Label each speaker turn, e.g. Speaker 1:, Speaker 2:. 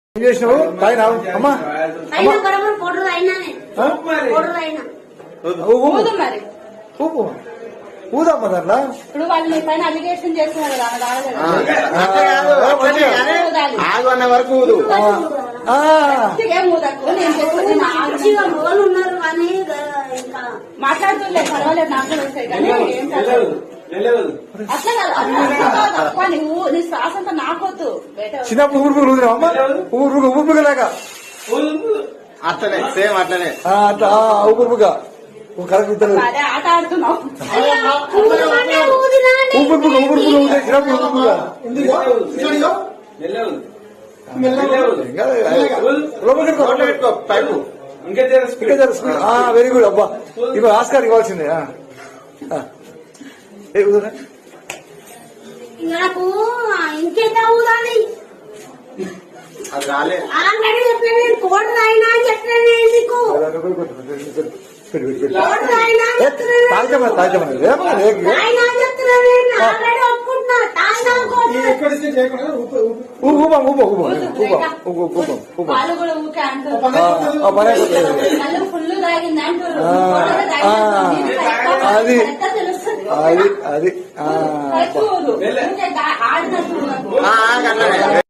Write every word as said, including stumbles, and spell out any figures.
Speaker 1: ఏం చేసినావు తాగినావు అమ్మా ఊపు ఊదమ్మా దాంట్లో
Speaker 2: ఇప్పుడు వాళ్ళు మీ పైన అలిగేషన్ చేస్తున్నారు
Speaker 3: ఆగు అన్న వరకు ఊదు
Speaker 2: మాట్లాడుతుండే పర్వాలేదు నాకు కూడా వస్తాయి కానీ ఏం అట్లా కాదు నువ్వు నీ శ్వాస అంతా నాకొద్దు
Speaker 1: చిన్నప్పుడు ఊరుపులు ఊదినావు అమ్మా ఊరు ఊపుగా
Speaker 3: అట్లనే సేమ్ అట్లనే
Speaker 1: అట్లా ఊపుగా కరెక్ట్
Speaker 2: అదే ఆట ఆడుతున్నావు
Speaker 1: ఊపుగా ఊపుగా ఊదే చిన్నప్పుడు ఊపుగా వెరీ గుడ్ అబ్బా ఇవ్వ ఆస్కార్ ఇవ్వాల్సిందే
Speaker 4: నాకు ఇంకెంత ఊదాలి
Speaker 3: అది రాలే
Speaker 4: ఆల్రెడీ చెప్పాను కోడ్ రాయినా అని చెప్పాను నీకు
Speaker 1: తాజమా తాజమా
Speaker 4: రాయినా అని చెప్తున్నాను ఆల్రెడీ ఒప్పుకుంటున్నా
Speaker 1: ఊపం ఊపం ఊపం ఊపం ఊపం ఊపం
Speaker 2: వాళ్ళు కూడా ఊకే అంటారు ఫుల్ తాగింది అంటారు
Speaker 1: అది అది అది
Speaker 2: ఆడినట్టు